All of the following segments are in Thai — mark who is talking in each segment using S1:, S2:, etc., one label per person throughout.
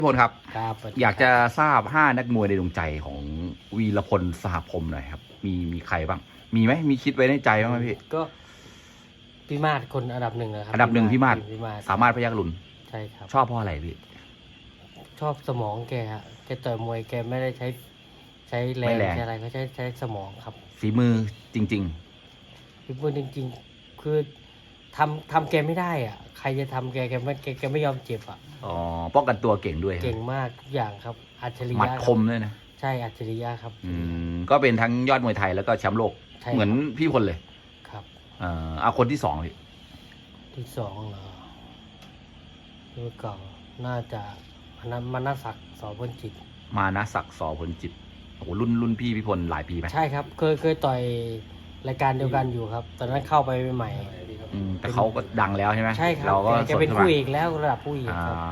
S1: พี่พลครับ
S2: ครับ
S1: อยากจะทราบ5นักมวยในดวงใจของวีรพลสหพรหมหน่อยครับมีใครบ้างมีไหมมีคิดไว้ในใจบ้างไหมพี่
S2: ก็พี่มาศคนอันดับหนึ่งนะครับ
S1: อันดับหนึ่งพี่มาศ
S2: พี่มาศ
S1: สามารถพยัคฆ์ลุน
S2: ใช่ครับ
S1: ชอบเพราะอะไรพี่
S2: ชอบสมองแกฮะแกต่อยมวยแกไม่ได้ใช้แรงใช้อะไรก็ใช้สมองครับ
S1: ฝีมือจริง
S2: พี่พูดจริงๆคือทำแกไม่ได้อ่ะใครจะทำแกไม่ยอมเจ็บอ่ะ
S1: อ๋อป้องกันตัวเก่งด้วย
S2: เก่งมากทุกอย่างครับอัจฉริ
S1: หมัด
S2: ยะ
S1: คมด้วยนะ
S2: ใช่อัจฉริยะครับ
S1: ก็เป็นทั้งยอดมวยไทยแล้วก็แชมป์โลกเหมือนพี่พลเลย
S2: ครับ
S1: เอาคนที่สองพี่
S2: ที่สองเหรอรุ่นเก่าน่าจะมนัสศักดิ์สอพลจิต
S1: มานะศักดิ์สอพลจิตโอ้โหรุ่นพี่พลหลายปีไหม
S2: ใช่ครับเคยต่อยรายการเดียวกันอยู่ครับตอนนั้นเข้าไปใหม่
S1: แต่เขาก็ดังแล้วใช่ไหม
S2: ใช่ครับ
S1: เราก็
S2: แกเป็นผู้เอกแล้วระดับผู้เอกครับ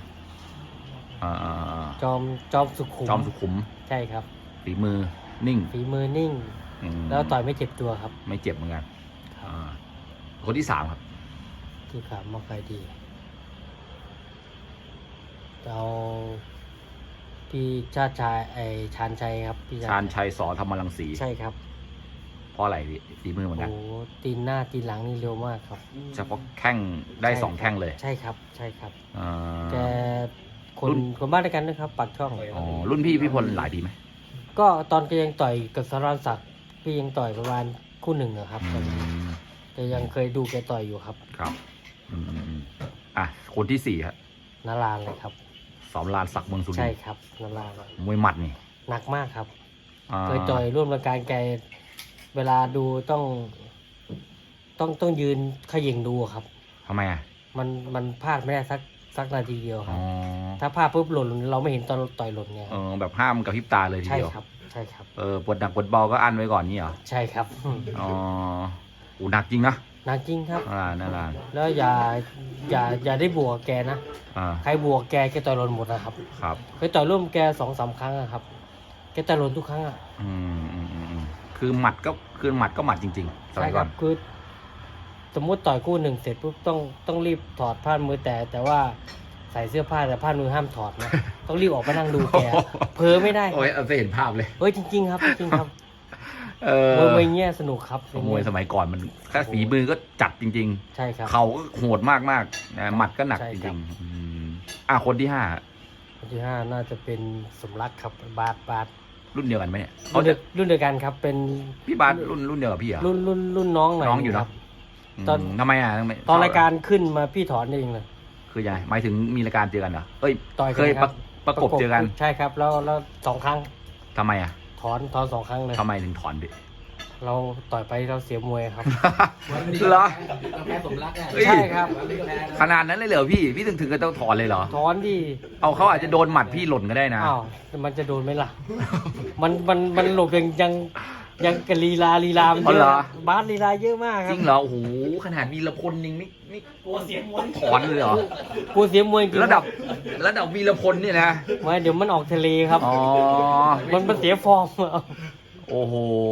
S2: จอมสุขุมใช่ครับ
S1: ฝีมือนิ่ง
S2: แล้วต่อยไม่เจ็บตัวครับ
S1: ไม่เจ็บเหมือนกันคนที่สามครับ
S2: ที่สามมาใครดีเราพี่ชาติชายชาญชัยครับพี่
S1: ชาญชัยสอธรรมรังสี
S2: ใช่ครับ
S1: เพราะอะไรฝีมือเหมือนกัน
S2: โอ้ตีนหน้าตีนหลังนี่เร็วมากครับ
S1: เฉพาะแข้งได้2แข้งเลย
S2: ใช่ครับแกคนบ้านด้วยกันนะครับปากช่อง
S1: รุ่นพี่พลหลายปีไหม
S2: ก็ตอนแกยังต่อยกับสราญศักดิ์พี่ยังต่อยประมาณคู่หนึ่งนะครับแต่ยังเคยดูแกต่อยอยู่ครับ
S1: ครับคนที่4ครับ
S2: นารานเลยครับ
S1: สอนรานศักดิ์เมืองสุรินทร์
S2: ใช่ครับนาราน
S1: มวยหมัดนี่
S2: หนักมากครับเคยต่อยร่วมรายการแกเวลาดูต้องยืนเขย่งดูครับ
S1: ทำไม
S2: มันพลาดไม่ได้สักนาทีเดียวครับถ้าพลาดปุ๊บหล่นเราไม่เห็นตอนต่อยหล่นไง
S1: แบบห้ามกับพริบตาเลยทีเดียว
S2: ใช่ครับ
S1: ปวดหนักปวดเบาก็อั้นไว้ก่อนนี่เหรอ
S2: ใช่ครับ
S1: หนักจริงนะ
S2: หนักจริงครับ
S1: นั่นแหละ
S2: แล้วอย่าได้บวกแกนะใครบวกแกต่อยหล่นหมดนะครับเคยต่อยร่วมแก2-3 ครั้งครับแกต่อยหล่นทุกครั้ง
S1: คือหมัดก็หมัดจริงๆ
S2: ใช่ครับคือสมมติต่อยคู่หนึ่งเสร็จปุ๊บต้องรีบถอดผ้ามือแต่ว่าใส่เสื้อผ้าแต่ผ้ามือห้ามถอดนะต้องรีบออกไปนั่งดูแกเพ้อไม่ได้
S1: โอ้ยเห็นภาพเลย
S2: จริงๆครับจริงครับมวยเงี้ยสนุกครับ
S1: มวยสมัยก่อนมันแค่ฝีมือก็จัดจริง
S2: ๆใช่ครับ
S1: เขาก็โหดมากนะหมัดก็หนักจริงๆคนที่
S2: 5น่าจะเป็นสมรักครับบาส
S1: รุ่นเดียวกันไหมเนี่ย
S2: รุ่นเดียวกันครับเป็น
S1: พี่บาสรุ่นเดียวกับพี่เหรอ
S2: รุ่นน้องหน่อย
S1: น้องอยู่เนาะตอนทำไม
S2: ตอนรายการขึ้นมาพี่ถอนเองเลย
S1: คือยังไงหมายถึงมีรายการเจอกันเหรอเคยประกบเจอกัน
S2: ใช่ครับแล้ว2 ครั้ง
S1: ทำไม
S2: ถอน2 ครั้งเลย
S1: ทำไมถึงถอนดิ
S2: เราต่อยไปเราเสียมวยครับ
S1: เหรอ
S2: แพ้สมรักใช่ครับ
S1: ขนาดนั้นเลยเหรอพี่ถึงก็ต้องถอนเลยเหรอ
S2: ถอนดิ
S1: เขาอาจจะโดนหมัดพี่หล่นก็ได้นะ
S2: มันจะโดนไหมล่ะมันหลบยังกะลีลาเยอะบาสลีลาเยอะมากครับ
S1: จริงเหรอโอ้โหขนาดวีรพลยังไม่
S2: กลัวเสียมวย
S1: ถอนเลยเหรอก
S2: ลัวเสียมวยจริง
S1: ระดับวีรพลเนี่ยนะ
S2: ไม่เดี๋ยวมันออกทะเลครับมันเสียฟอร์ม
S1: โอ้โห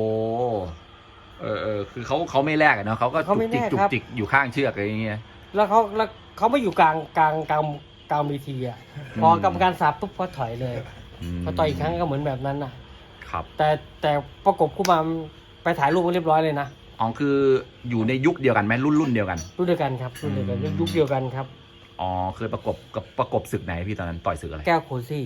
S1: คือเขาไม่แลกเนาะเขาก็จุกจิกอยู่ข้างเชือกอะไรอย่างเงี้ย
S2: แล้วเขาไม่อยู่กลางเวทีอ่ะพอกรรมการสับปุ๊บเขาถอยเลยพอต่อยอีกครั้งก็เหมือนแบบนั้นนะครับแต่ประกบคู่มาไปถ่ายรูปเรียบร้อยเลยนะ
S1: คืออยู่ในยุคเดียวกันไหมรุ่นเดียวกัน
S2: รุ่นเดียวกันครับรุ่นเดียวกันยุคเดียวกันครับ
S1: เคยประกบศึกไหนพี่ตอนนั้นต่อยศึกอะไร
S2: แก้วโคซี่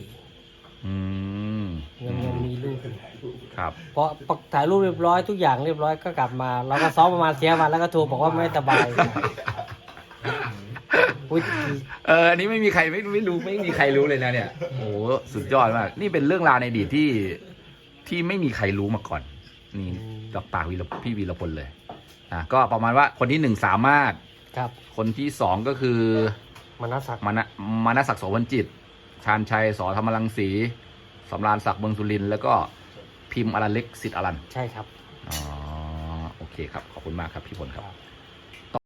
S2: ยังมีรูป
S1: ครับ
S2: เพราะถ่ายรูปเรียบร้อยทุกอย่างเรียบร้อยก็กลับมาเราก็ซ้อมประมาณเสียมาแล้วก็โทรบอกว่าไม่สบาย
S1: อันนี้ไม่มีใครไม่รู้ไม่มีใครรู้เลยนะเนี่ยโอ้สุดยอดมากนี่เป็นเรื่องราวในอดีตที่ไม่มีใครรู้มาก่อนนี่จากปากพี่วีรพลเลยก็ประมาณว่าคนที่1สามารถ
S2: ครับ
S1: คนที่2ก็คือ
S2: มนัสศัก
S1: ดิ์โสพลจิตชาญชัยสอธรรมรังสีสำราญศักดิ์เมืองสุรินทร์แล้วก็พิมพ์อรัญเล็กสิทธิ์อรัญ
S2: ใช่ครับ
S1: โอเคครับขอบคุณมากครับพี่พลครับ